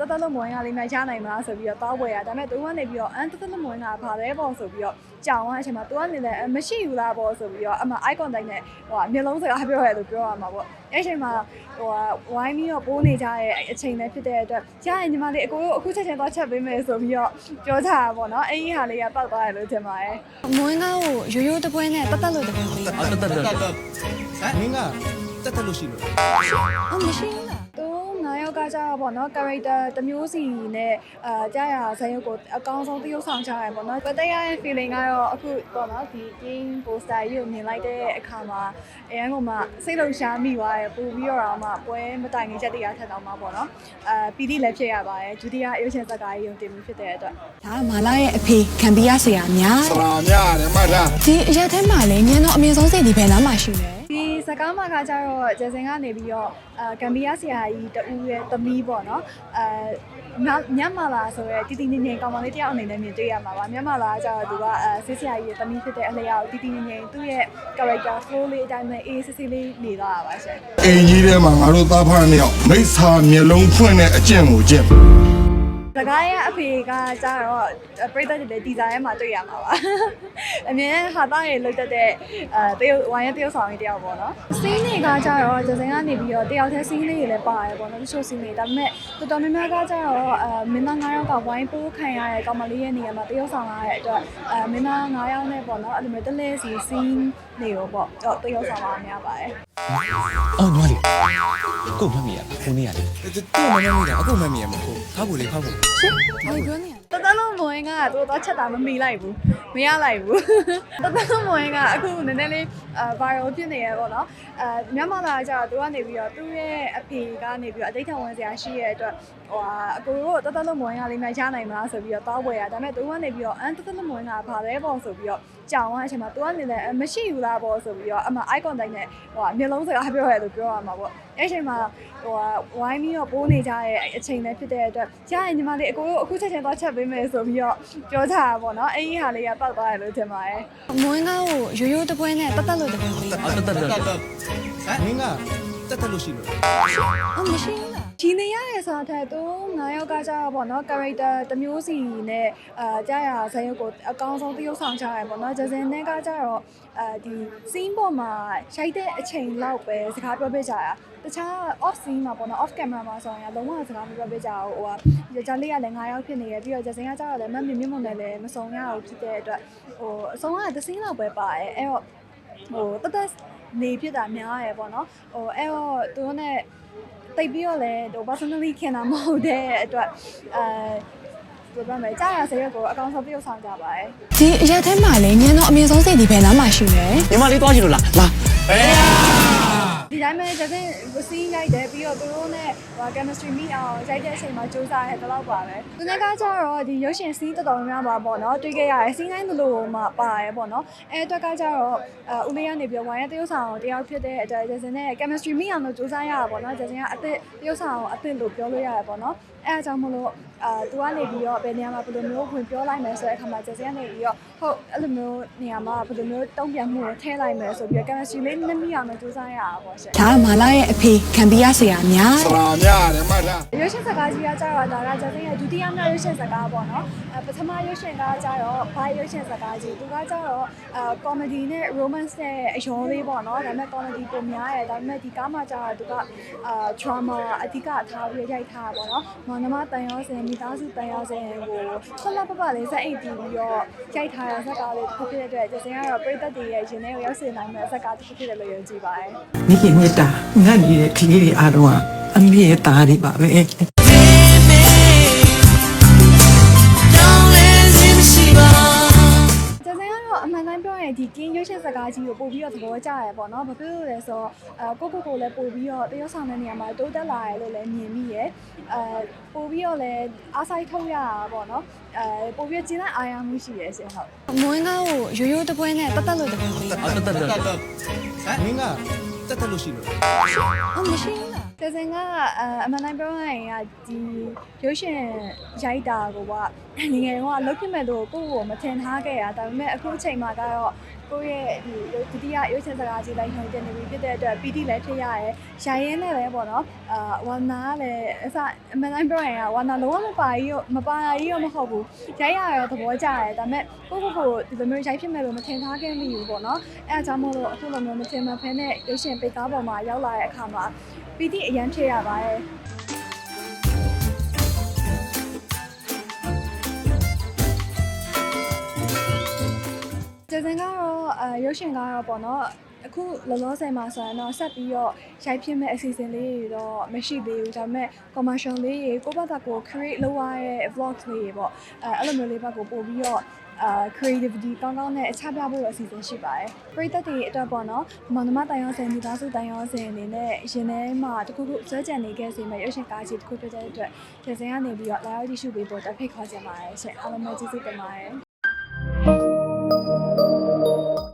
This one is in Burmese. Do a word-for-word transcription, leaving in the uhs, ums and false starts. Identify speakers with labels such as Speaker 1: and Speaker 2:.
Speaker 1: တတ်လို့မဝင်ကလေးများရနိုင်မလားဆိုပြီးတော့တောင်းပွဲရဒါပေမဲ့သူကနေပြီးတော့အန်တတ်လို့မဝင်ကဘာလဲပေါ့ဆိုပြီးတော့ကြောင်သွားအချိန်မှာသူကနေလည်းမရှိဘူးလားပေါ့ဆိုပြီးတော့အမှ eye contact နဲ့ဟိုမျက်လုံးစကားပြောရတယ်လို့ပြောရမှာပေါ့အဲ့အချိန်မှာဟိုဝိုင်းပြီးတော့ပိုးနေကြတဲ့အချိန်လည်းဖြစ်တဲ့အတွက်ရရင်ညီမလေးအကိုတို့အခုချက်ချင်းသွားချက်ပေးမယ်ဆိုပြီးတော့ပြောကြတာပေါ့နော်အဲ့ဒီဟာလေးကပောက်သွားတယ်လို့ထင်ပါတယ်မဝင်ကားကိုရိုးရိုးတပွဲနဲ့တတ်တတ်လို့တပွဲပေးတာ
Speaker 2: တတ်တတ်တတ်ဟမ်မင်းကတတ်တတ်လို့ရှိလို့
Speaker 1: အော်မရှိဘူးလားသူငါးယောက်ကကြတော့ပေါ့နော် character တစ်မျိုးစီနဲ့အာကြားရဇာတ်ရုပ်ကိုအကောင်းဆုံးသရုပ်ဆောင်ချရတယ်ပေါ့နော်ပသက်ရရဲ့ feeling ကတော့အခုပေါ့နော်ဒီ game poster ကြီးကိုမြင်လိုက်တဲ့အခါမှာအရင်ကမှစိတ်လုံရှားမိသွားတယ်ပို့ပြီးတော့မှပွဲမတိုင်ခင်ချက်တရထက်တော့မှပေါ့နော်အာပီတိလည်းဖြစ်ရပါတယ်ဒုတိယရုပ်ရှင်ဇာတ်ကားကြီးရုံတင်မှုဖြစ်တဲ့အတွက်
Speaker 3: ဒါကမာလာရဲ့အဖေခံပြရဆရာများ
Speaker 2: ဆရာများတယ်မှတ်ထား
Speaker 3: ဒီအရက်ထဲမှာလည်းညံတော့အမြင့်ဆုံးစိတ်ဒီဘယ်နားမှာရှိလဲ
Speaker 1: ဒီစကားမှာကကြတော့ကျစင်ကနေပြီးတော့အာကမ်ဘီယာဆရာကြီးတူရဲ့သမီးပေါ့နော်အဲမြတ်မာလာဆိုရဲတီတီနေနေကောင်မလေးတယောက်အနေနဲ့မြင်တွေ့ရမှာပါမြတ်မာလာကကြတော့သူကအဲဆစ်ဆရာကြီးရဲ့သမီးဖြစ်တဲ့အလျောက်တီတီနေနေသူ့ရဲ့ character flow လေးအတိုင်းပဲအေးစစ်စစ်လေးနေသွားတာပါရှင်
Speaker 2: အင်ကြီးထဲမှာငါတို့သားဖားနှစ်ယောက်မိစ္ဆာမျက်လုံးဖွင့်တဲ့အကျင့်ကိုကျင့်
Speaker 1: စကားရဲ့အဖေကကြတော့ပရိသတ်တွေဒီဇိုင်းမှာတွေ့ရမှာပါအမြင်ဟာသားရေလုတ်တက်တဲ့အဲတရုတ်ဝိုင်းရဲ့တရုတ်ဆောင်ကြီးတယောက်ပေါ့နော်စီးနေကကြတော့ကျစင်ကနေပြီးတော့တယောက်တည်းစီးလေးတွေလည်းပါတယ်ပေါ့နော်တချို့စီးနေဒါပေမဲ့တော်တော်များများကကြတော့အဲမင်းသား၅ယောက်ကဝိုင်းပိုးခံရတဲ့ကောင်မလေးရဲ့နေရာမှာတရုတ်ဆောင်ရတဲ့အတွက်အဲမင်းသား၅ယောက်နဲ့ပေါ့နော်အဲ့လိုမျိုးတလဲစီစီးနေရောပေါ့တော့တရုတ်ဆောင်ပါများပါတယ်
Speaker 4: အော်ညီမလေးကိုမမီရခုနေရလေ
Speaker 2: တူမမမီတာအခုမမီရမဟုတ်ဖောက်ဖို့လေဖောက်ဖို့
Speaker 1: ရှင်ဘာပြောနေလဲတတလုံးမဝင်ကသူတော့ချက်တာမမီလိုက်ဘူးမရလိုက်ဘူးတတလုံးမဝင်ကအခုနည်းနည်းလေးအာ viral ဖြစ်နေရပေါ့နော်အဲမြန်မာလာကြတော့သူကနေပြီးတော့သူ့ရဲ့အဖေကနေပြီးတော့အတိတ်ထဝင်စရာရှိရတဲ့အတွက်ဟိုအကိုတို့တတလုံးမဝင်ကလေးများရနိုင်မလားဆိုပြီးတော့တောင်းပွဲရဒါပေမဲ့သူကနေပြီးတော့အန်တတလုံးမဝင်ကဘာလဲပေါ့ဆိုပြီးတော့ကြောင်သွားအချိန်မှာသူကနေလည်းမရှိဘူးလားပေါ့ဆိုပြီးတော့အမှ eye contact နဲ့ဟိုမျက်လုံးစကားပြောရတယ်လို့ပြောရမှာပေါ့အဲ့အချိန်မှာဟိုဝိုင်းပြီးတော့ပိုးနေကြတဲ့အချိန်လည်းဖြစ်တဲ့အတွက်ရရင်ညီမလေးအကိုတို့အခုချက်ချင်းသွားချက်ပေးမယ်ဆိုပြီးတော့ပြောကြတာပေါ့နော်အဲ့ဒီဟာလေးကပောက်သွားတယ်လို့ထင်ပါတယ်
Speaker 3: မဝင်ကားကိုရိုးရိုးတပွဲနဲ့တတ်တတ်လို့တပွဲပေးတာ
Speaker 2: တတ်တတ်တတ်ဟမ်မင်းကတတ်တတ်လို့ရှိလို့
Speaker 3: အော်မရှိဘူးလား
Speaker 1: ဒီနေရတဲ့စာထက်သူငါးယောက်ကကြတော့ပေါ့နော် character တစ်မျိုးစီနဲ့အာကြားရဇာတ်ရုပ်ကိုအကောင်းဆုံးသရုပ်ဆောင်ချရတယ်ပေါ့နော်ဂျစင်နဲ့ကကြတော့အဲဒီ scene ပေါ်မှာရိုက်တဲ့အချိန်လောက်ပဲစကားပြောပြကြတာတခြား off scene မှာပေါ့နော် off camera မှာဆိုရင်လုံးဝစကားမပြောပြကြဘူးဟိုကဂျာလေးကလည်းငါးယောက်ဖြစ်နေရပြီးတော့ဂျစင်ကကြတော့လည်းမမြင်မြင်မုံနဲ့လည်းမစုံရဘူးဖြစ်တဲ့အတွက်ဟိုအဆုံးကတစ် scene လောက်ပဲပါတယ်အဲ့တော့ဟိုတသက်နေဖြစ်တာများရယ်ပေါ့နော်ဟိုအဲ့တော့သူတို့ ਨੇတိတ်ပြီးတော့လည်းဟို personally ခင်တာမဟုတ်တဲ့အတွက်အဲဘယ်လိုလဲကြားရစရက်ကိုအကောင်ဆုံးပြုတ်ဆောင်ကြပါတယ်
Speaker 3: ဒီအရက်ထဲမှာလည်းညံတော့အမြင့်ဆုံးစိတ်ဒီဘယ်နားမှာရှိလဲ
Speaker 4: ညီမလေးသွားကြည့်လို့လားလာ
Speaker 2: အေး
Speaker 1: ဒီတိုင်းပဲကျတဲ့စီးရိုက်တယ်ပြီးတော့သူတို့ ਨੇ ဟို chemistry meet အောင်ရိုက်တဲ့အချိန်မှာစူးစမ်းရတယ်တော့ပါပဲသူကကြတော့ဒီရုပ်ရှင်စီးတော်တော်များများပါပေါ့နော်တွေ့ခဲ့ရတယ်စီးတိုင်းလိုမှပါတယ်ပေါ့နော်အဲအတွက်ကကြတော့အဦးလေးကနေပြီးဝိုင်းရတရုပ်ဆောင်တယောက်ဖြစ်တဲ့အတွက်ကျစင်နဲ့ chemistry meet အောင်လို့စူးစမ်းရတာပေါ့နော်ကျစင်ကအသစ်တရုပ်ဆောင်အသစ်လို့ပြောလို့ရတယ်ပေါ့နော်အဲအကြောင်းမလို့အာသူကနေပြီးတော့ဘယ်နေရာမှာဘယ်လိုမျိုးဝင်ပြောလိုက်မယ်ဆိုတဲ့အခါမှာကျစင်ကနေပြီးတော့ဟုတ်အဲ့လိုမျိုးနေရာမှာဘယ်လိုမျိုးတုံ့ပြန်မှုကိုထည့်လိုက်မယ်ဆိုပြီးတော့ chemistry လေးနည်းနည်းအောင်လို့စူးစမ်းရတာပေါ့ရှင်
Speaker 3: ဒါကမာလာရဲ့အဖေခံပြရဆရာများ
Speaker 2: ဆရာများတယ်မှတ်ထား
Speaker 1: ရုပ်ရှင်စကားကြီးကကြတော့ဒါကကျစင်ရဲ့ဒုတိယမြောက်ရုပ်ရှင်စကားပေါ့နော်အဲပထမရုပ်ရှင်ကကြတော့ဘာရုပ်ရှင်စကားကြီးသူကကြတော့အာ comedy နဲ့ romance နဲ့အရောလေးပေါ့နော်ဒါပေမဲ့ comedy ပုံများရတယ်ဒါပေမဲ့ဒီကားမှာကြတော့သူကအာ drama အဓိကထားပြီးရိုက်ထားတာပေါ့နော်မောင်နှမတန်ရောစင်မိသားစုတန်ရောစင်ကိုဆက်လက်ပပလေးစက်အိတ်ပြီးတော့ရိုက်ထားတဲ့ဇာတ်ကားလေးတစ်ခုဖြစ်တဲ့အတွက်ကျစင်ကတော့ပရိသတ်တွေရဲ့ရင်ထဲကိုရောက်စေနိုင်မယ့်ဇာတ်ကားတစ်ခုဖြစ်တယ်လို့ယုံကြည်ပါတယ်
Speaker 5: မိခင်မေတ္တာငတ်နေတဲ့ကလေးတွေအားလုံးကအမေရဲ့သားတွေပါပဲ
Speaker 1: အမှန်တိုင်းပြောရင်ဒီကင်းရွှေရှင်စကားကြီးကိုပို့ပြီးတော့သဘောကျရပေါ့နော်ဘာဖြစ်လို့လဲဆိုတော့အဲကိုကိုကိုလည်းပို့ပြီးတော့တရုတ်ဆောင်တဲ့နေရာမှာတိုးတက်လာရလို့လည်းမြင်မိရယ်အဲပို့ပြီးတော့လည်းအားဆိုင်ထုတ်ရတာပေါ့နော်အဲပို့ပြီးကျင်းတဲ့အာရုံမှုရှိရယ်ရှင်ဟုတ်
Speaker 3: မဝင်ကားကိုရိုးရိုးတပွဲနဲ့တတ်တတ်လို့တပွဲပေးတာ
Speaker 4: တတ်တတ်တတ်ဟမ်
Speaker 2: မင်းကတတ်တတ်လို့ရှိလို့
Speaker 1: အော်မရှိဘူးလားကျကျစင်ကအမှန်တိုင်းပြောရရင်ကဒီရုပ်ရှင်ရိုက်တာကိုကငငယ်တော့လုတ်ဖြစ်မဲ့လို့ကိုယ့်ကိုမထင်ထားခဲ့ရဒါပေမဲ့အခုအချိန်မှာကတော့ကိုယ့်ရဲ့ဒီဒုတိယရုပ်ရှင်စကားကြီးလိုက်ဟန်တင်နေပြီဖြစ်တဲ့အတွက်ပီတိလည်းဖြစ်ရတယ်။ရိုင်ရင်းနဲ့လည်းပေါ့နော်အာဝါနာလည်းအစအမှန်တိုင်းပြောရရင်ကဝါနာလုံးဝမပါကြီးရောမပါကြီးရောမဟုတ်ဘူး။ရိုက်ရရောသဘောကျတယ်ဒါပေမဲ့ကိုယ့်ကိုယ်ကိုဒီလိုမျိုးရိုက်ဖြစ်မဲ့လို့မထင်ထားခဲ့မိဘူးပေါ့နော်။အဲအကြောင်းမို့လို့အခုလိုမျိုးမထင်မှတ်ဖဲနဲ့ရုပ်ရှင်ပိတ်ကားပေါ်မှာရောက်လာတဲ့အခါမှာပီတိအရန်ဖြစ်ရပါတယ်။ကျစင်ကတော့အဲရုပ်ရှင်ကတော့ပေါ့နော်အခုလောလောဆယ်မှာဆိုရင်တော့ဆက်ပြီးတော့ရိုက်ဖြစ်မဲ့အစီအစဉ်လေးတွေတော့မရှိသေးဘူးဒါပေမဲ့ commercial လေးတွေကိုယ့်ဘက်ကကို create လုပ်ရတဲ့ vlog လေးတွေပေါ့အဲအဲ့လိုမျိုးလေးဘက်ကိုပို့ပြီးတော့အာ creativity ကောင်းကောင်းနဲ့အချပြဖို့အစီအစဉ်ရှိပါတယ်ပရိသတ်တွေအတွက်ပေါ့နော်မောင်နှမတိုင်ရောစင်မိသားစုတိုင်ရောစင်အနေနဲ့ရင်ထဲမှာတခုခုစွဲကြံနေခဲ့စေမဲ့ရုပ်ရှင်ကားကြီးတစ်ခုဖြစ်တဲ့အတွက်ကျစင်ကနေပြီးတော့လာရောက်ကြည့်ရှုပေးဖို့တက်ဖိတ်ခေါ်ချင်ပါတယ်ရှင်အားလုံးပဲကျေးဇူးတင်ပါတယ်